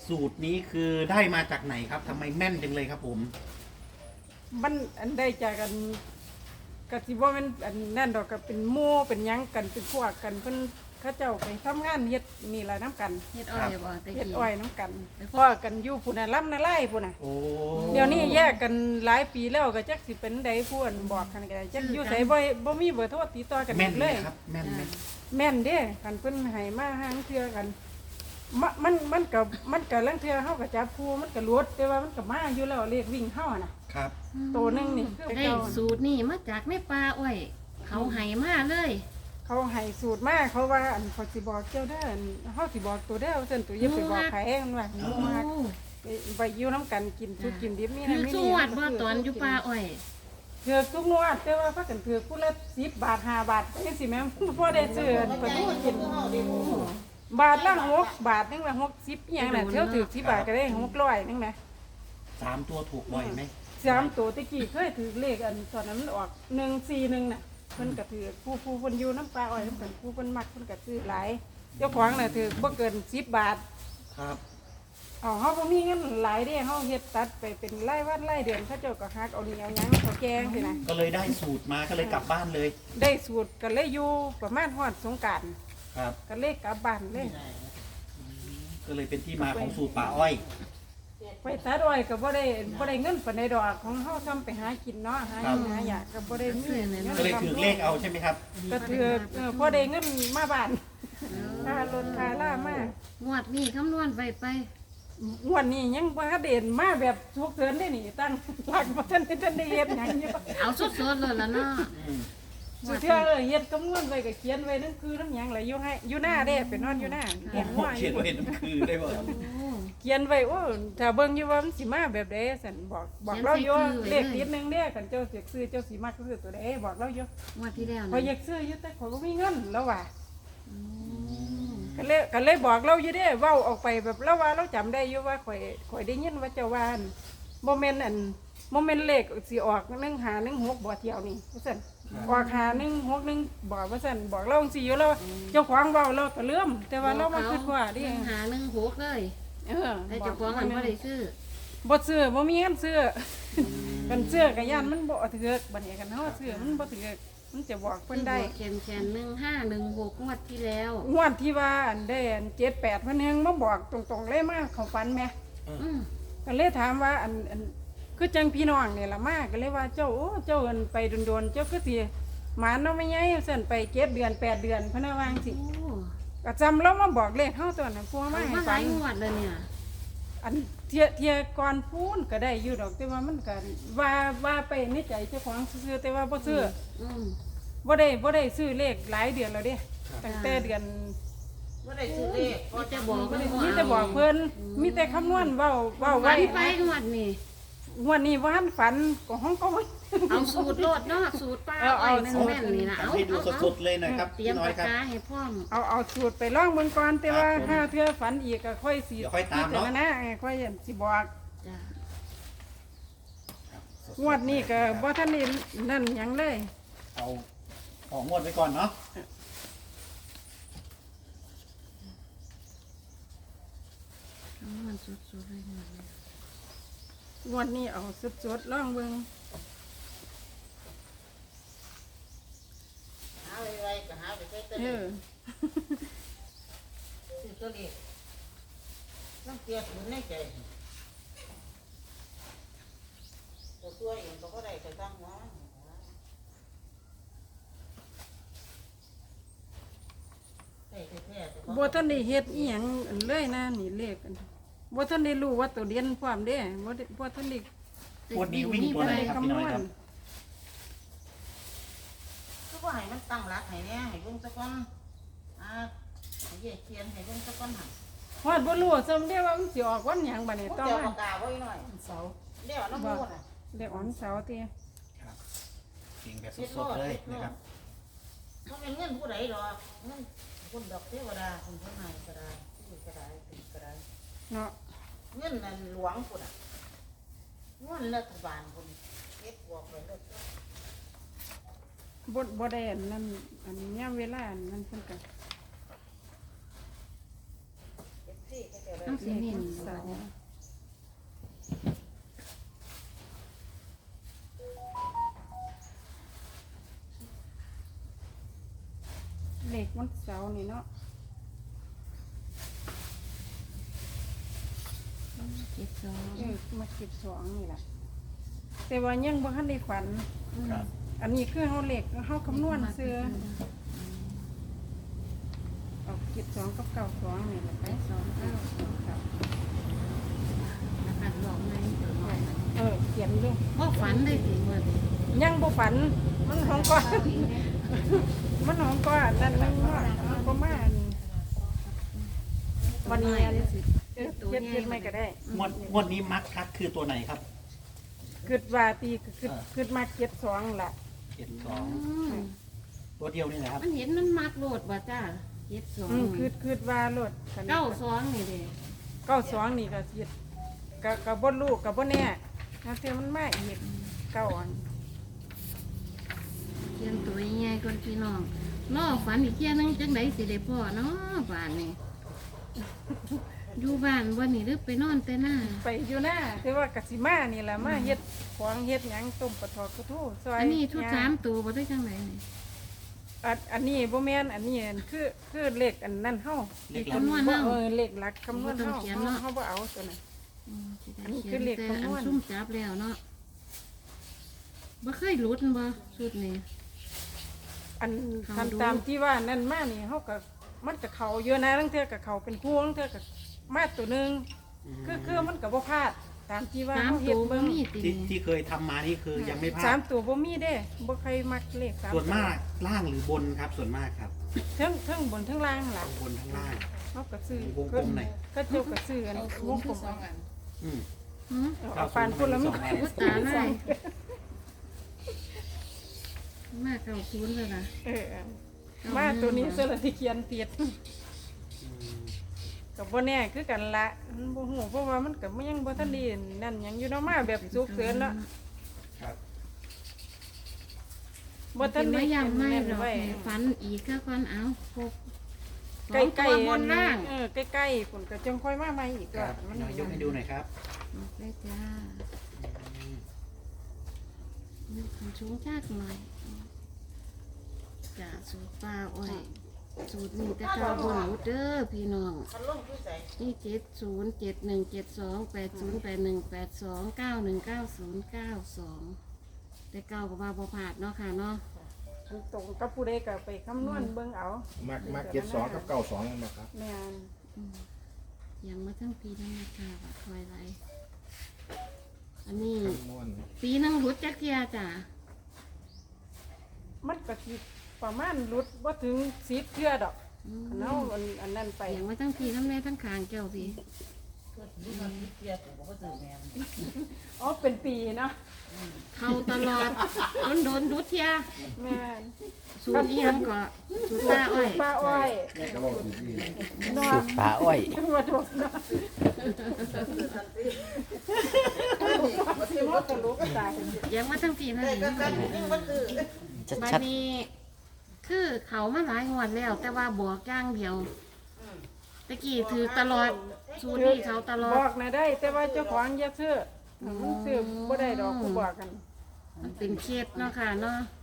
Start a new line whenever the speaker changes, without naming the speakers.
สูตรนี้คือได้มาจากไหนครับทำไมแม่นจังเลยครับผม
มันอันได้จากกันกสิว่ามันอันนั่นดอกก็เป็นหมู่เป็นหยังกันเป็นพวกกันเพิ่นเขาเจ้าไปทำงานเฮ็ดนี่ล่ะน้ำกัน
เฮ็ดอ้อยบ่ตะ
เฮ็ด
กี้
อ้อยน้ำกันพ่อกันอยู่พุ่นน่ะลำนาไล่พุ่นน่ะ
โอ้
เดี๋ยวนี้แยกกันหลายปีแล้วก็จักสิเป็นใดผู้อันบอกกันก็ได้จักอยู่ไสบ่มีเบอร์โทรติดต่อกัน
แม่น
เล
เลย
ย
ครับแม่นไหม
แม่นเด้คันเพิ่นให้มาหางเทื่อกันมันก็ลังเทื่อเฮาก็จับผู้มันก็หลุดแต่ว่ามันก็มาอยู่แล้วเลขวิ่งเฮาน่ะ
ครับ
ตัวหนึงนี่คือ
ได้
เก่า
สูตรนี่มาจากในป่าอ้อยเขาให้มาเลย
เขาให้สูตรมาเขาว่าอันเขาสิบอกเจ้าเด้ออันเฮาสิบอกตัวเด้อซั่นตัวอย่าไปบอกไผมันว่าหนูมาไปอยู่นํกันกินสุกกินดิบนี่
คื
นะ
อ
มี
สวดบ่ตอนอยู่ป่าอ้อย
เถือกทุกงวดแต่ว่าพากันเถือกผู้ละ10 บาท5 บาทจังซี่แม่พอได้ซื้อไปดูกินบาทละ6 บาทนึงละ60อีหยังน่ะเที่ยวถือ10 บาทก็ได้600นึงนะ
3 ตัวถูกบ่อยไหม
3ตัวตะกี้เคยถือเลขอันตอนนั้นมันออก141น่ะเพิ่นก็ถือผู้เพิ่นอยู่น้ำปลาอ้อยเพิ่นผู้เพิ่นมักเพิ่นก็ซื้อหลายเจ้าของน่ะถือบ่เกิน10 บาท
ครับ
อ๋อเฮาบ่มีเงินหลายเด้เฮาเฮ็ดตัดไปเป็นรายวันรายเดือนเขาเจ้าก็ฮักเอานี่เอาหยังเขาแกงสินะ
ก็เลยได้สูตรมาก็เลยกลับบ้านเลย
ได้สูตรก็เลยอยู่ประมาณฮอดสงกรานต์
ครับ
ก็เลยกลับบ้านเลย
ก็เลยเป็นที่มาของสูตรป่าอ้อย
ไปตัดอ้อยก็บ่ได้เงินปานใดดอกของเฮาทำไปหากินเนาะหาหยังหาอยากก็บ่ได้มีเงิน
ก็เลยถือเลขเอาใช่ไหมครับ
ก็ถือพอได้เงินมาบ้านค่ารถค่าล่ามาง
วดนี้คำนวณไปไป
งวดนี้ยังบ่ทันเด่นมาแบบทุกเดือนได้นี่ตั้งหลักบ่ทันได้เฮ็ดหยังอยู่
เอาสดๆเลยล่ะเนาะ
สุดเทื่อเฮ็ดคำนวณไว้ก็เขียนไว้นั่นคือน้ำหยังไหลอยู่ให้อยู่หน้าเด้ไปนอนอยู่หน้าเห็นว่าอ
เขียน
ยู่
ไว้น้ำคือได้บ่
เขียนไว้โอ้ถ้าเบิ่งอยู่ว่ามันสิมาแบบใดสั่นบอกเราอยู่เลขติดหนึงเด้คันเจ้าสิซื้อเจ้าสิมักซื้อตัวใดบอกเราอยู่
งวดที่แล้ว
พอ
นะ
อยากซื้ออยู่แต่ข่อยบ่มีเงินแล้วว่าก็เลยบอกเราอยู่เด้เว้าออกไปแบบเราว่าเราจำได้อยู่ว่าข่อยได้ยินว่าเจ้าว่าอั่นบ่แม่นอันบ่แม่นเลขสิออก1516บ่เที่ยวนี่ว่าซั่นออก5161บอกว่าซั่นบอกเราจังซี่อยู่แล้วเจ้าของเว้าเราก็ลืมแต่ว่าเรามาคิดว่าดิ
หา16เลย แต่เจ้าของมันบ่ได้ซื้อ
บ่ซื้อบ่มีเงินซื้อกันซื้อก็ย่านมันบ่ถูกบัดนี้กันเฮาซื้อมันบ่ถูกมันจะบอกเพิ่นได้
แคน1516งวดที่แล้ว
งวดที่ว่าอันได้อัน78เพิ่นแฮงมาบอกตรงๆเลยมาเข้าฝันแหม
อืม
ก็เลยถามว่าอันคือจังพี่น้องนี่ล่ะมาก็เลยว่าเจ้าโอ้เจ้าอันไปโดนๆเจ้าคือสิหมาเนาะไม่ใหญ่ซั่นไป7 เดือน8 เดือนเพิ่นว่าจังซี่
โอ้
ก็จำเรามาบอกเลขเฮาตัวนั้นพวก
เอา
มาให้
มาห
ฟั
ลาง ยงวดเลยเนี่ย
อันเทียก่อนพูนก็ได้อยู่ดอกแต่ว่ามันก็ว่าไปในใจเจ้าของซื้อแต่ว่าบ่ซื้อ
อืม
บ่ได้ซื้อเลขหลายเดือนแล้วเด้ตั้งแต่เดือน
ว่าได้ซื้อเลข
มีแต่บอก
มีแต่บอกเพิ่นมีแต่คำนวณเว้า
วั
ไว้
นไปงวดนี่
งวดนี้บ่ทันฝันก็ห้องก็บ่
เอาสูตรโลดเนาะสูตรป้าอ้อยแม่นๆนี่นะเอา
ทำให้ดูสดๆเลยนะครับ
เตรีย
พี่
ม
น้อย
ปาก
ครับ
กาให้พร้อม
เอาสูตรไปลองเบิ่งก่อนแต่ว่า
ครับผม
ถ้าเทื่อฝันอีกก็ค่อยสิ
เดี๋ยวค่อยตามเนาะ
นะค่อยสิบอก
จ้ะ
งวดนี้ก็บ่ทันได้นั่นหยังเลย
เอาของงวดไว้ก่อนเนาะ
เอามันสุดๆเลยงวดนี้
งวดนี้เอาสดๆลองเบิ่ง
หาไวๆก็หาไปใช้ตัว
เอ
เลข
อ
ซื้อตัวเลขต้องเกียร์ศูนย์ในใจตัวเองก็ได้แต่ตั้งหัวได้แท้ๆ
บ่ทันได้เฮ็ดอีหยังอันเลยนะนี่เลขอันบ่ทันได้รู้ว่าตัวเรียนพร้อมเด้บ่ทันได้
งวดนี้วิ่งตัวไหนครับพี่น้อยครับ
ก็ว่าให้มันตั้งรักให้แน่ให้เบิ่งซะก่อนให้เขียนให้เบิ่งซะก่อนหั่น
ฮอดบ่รู้ซ้ำเด้ว่ามันสิออกวันหยังบัดนี้
พวก
ต่อ
เจ้า
มา
ปากกาไว้หน่อย
เสาร์
เดี๋ยวน้ำมูกน่ะ
เลขออนเสาร์ติ
ครับเก่งแบบสดๆเลยนะครับ
มันเป็นเงินผู้ใดดอกเงินคนดอกเทวดาคนผู้ให้ก็ได้ผู้ก็ได้ผู้ก็ได้
เนาะ
เงินนั่นหลวงพุ่นอ่ะเงินรัฐบาลพุ่นเก็บบวกไว้เลย
บ่ได้อันนั้นอันยามเวลาอันนั้นเพิ่นก็
เ
ต้องสิเน้น
เสาร์เลขวันเสาร์นี่เนาะ
72
มาเก็บสองนี่แหละแต่ว่ายังบ่ทันได้ฝัน
ครับ
อันนี้คือเฮาเลขเฮาคำนวณซื้อเอาเก็บสองกับเก้าสองนี่แหละไปสองเก้าครับ
นะคะบอกไง
เขียนด้วย
บ่ฝันได้สิมื้อนี้
ยังบ่ฝันมันของก้อนมันของก้อนนั่นมันก็มานี่วันนี้เฮ็ดไม่ก็ได้
งวดนี้มักคักคือตัวไหนครับ
คิดว่าตีคิดมาเก็บสองล่ะ
72ตัวเดียวนี่แหละครับ
มันเห็นมันมักโลดบ่จ้า72
คิดว่าโลด
92นี่เด้
เก้าสองนี่ก็สิก็บ่รู้ก็บ่แน่แล้วเทื่อมันมาอีกเก้าอัน
เขียนตัวใหญ่ๆก่อนพี่น้องรอฝันอีกเที่ยนึงจังได๋สิได้พ่อเนาะบ้านนี่อยู่บ้านบ่นี่หรือไปนอนแต่หน้า
ไปอยู่หน้าแต่ว่ากสิมานี่แหละมาเฮ็ดของเฮ็ดหยังต้มปลาทอดกระทู้ซอย
อันนี้ชุด
ย่าง
3ตัวบ่ได้จังไดนี่
อันนี้บ่แม่นอันนี้คือเลขอันนั้นเฮา
เลขหลัก
คำนวณเนาะ
เลขหลักคำนวณ
บ่ต้องเขียนเนาะ
เฮาบ่เอาตัวนั้น
สิได้
อันนี้
เขี
คื
ย
อน เลข
แต่
คำนวณ
อันซุ่มจับแล้วเนาะบ่เคยหลุดบ่ชุดนี้
อัน
เขาดู
ตามที่ว่านั่นมานี่เฮาก็มันก็เข้าเยอะนะทั้งเทื่อก็เข้าเป็นคู่ทั้งเทื่อก็มาตัวหนึงคือมันก็บ่พลาดตามที่ว่า
สาม
เฮาเฮ็
ตั
ด
วบ่
เบิ่ง
มีติ
ที่เคยทำมานี่คือยังไม่พลา
สา
ด
มตัวบ่มีเด้บ่เคยมักเลขสาม
ส่วนมากล่างหรือบนครับ ส่วนมากครับ
ทั้งบนทั้งล่างล่ะ
บนทั้งล่าง
เฮาก็ซื้อ
วงกลมหน่อย
ก็เจ้าก็ซื้ออันวงกลม
อืม
หือ
เอาปานพุ่นแล้วมัน
อุตตาได้มาเก้าศูนย์แล้วนะ
มาตัวนี้ซะละที่เขียนติด
อืม
ก็บ่แน่คือกันละมันบ่ฮู้เพราะว่ามันก็ยังบ่ทันได้นั่นหยังอยู่เนาะมาแบบสุกเสริญเนาะ
ครับ
บ่ทันได้
ไม่ยังไม่
นั่น
หรอก
ไว้
ให้ฝันอีกก็ก่อนเอาพบ
ใกล้
สองตัว
ๆ
บนล่าง
ใกล้ๆคุณก็จังค่อยมาใหม่อีก
ค
ก็
รับ
มัน
น้อยยกให้ดูหน่อยครับ
ออกไปจ้า
อืม
ยกขึ้นสูงชาติหน่อยจ้าสูตรปลาอ้อยสูตรนี้แต่เก้าบนหูเด้อพี่น้อง
มันลงคือใส่
นี่707172808182919092แต่เก้าก็ว่าบ่ผาดเนาะค่ะเนาะ
ตรงกับผู้ใดก็ไปคำนวณเบิ่งเอา
มัก72กับ92นั่นบ่ครับ
แม่น
อืมยังมาทั้งปีแล้วนะคะว่าคอยไรอันนี้
คำนวณ
ปีหนึงรุดจักเทียจ้ะ
มันก็สิประมาณหลุดบ่ถึง10เทื่อดอก
อืม
เนาอันนั้นไป
ยังมาทั้งปีทั้งแม่ทั้งคางแก้วสิ
ก็สิมันเปียกผมก็ซื้อแม่น
อ๋อเป็นปีเนาะ
เข้าตลอดโดนรุดเทีย
แม่น
สูตรอีหยังก็สูตรตาอ้อย
ป้าอ้อย
แม่ก็บอกอยู่ที่
นอ
สู
น
ตรปลาอ้อย
มาถูกเนาะสิมดตะลุก็ตาย
ยังมาทั้งปีทั้ง
ได้
แม่
ก็กันนี่มันคือ
บัดนี้คือเขามาหลายงวดแล้ว แต่ว่าบอกย่างเดียวตะกี้ถือตลอดสูตรนี้เขาตลอ
บอก
ด
นะได้ แต่ว่าเจ้าของอย่าซื้อมันซื้อบ่ได้ดอกกูบอกกัน
มันเป็นเคสเนาะค่ะเนาะ
แ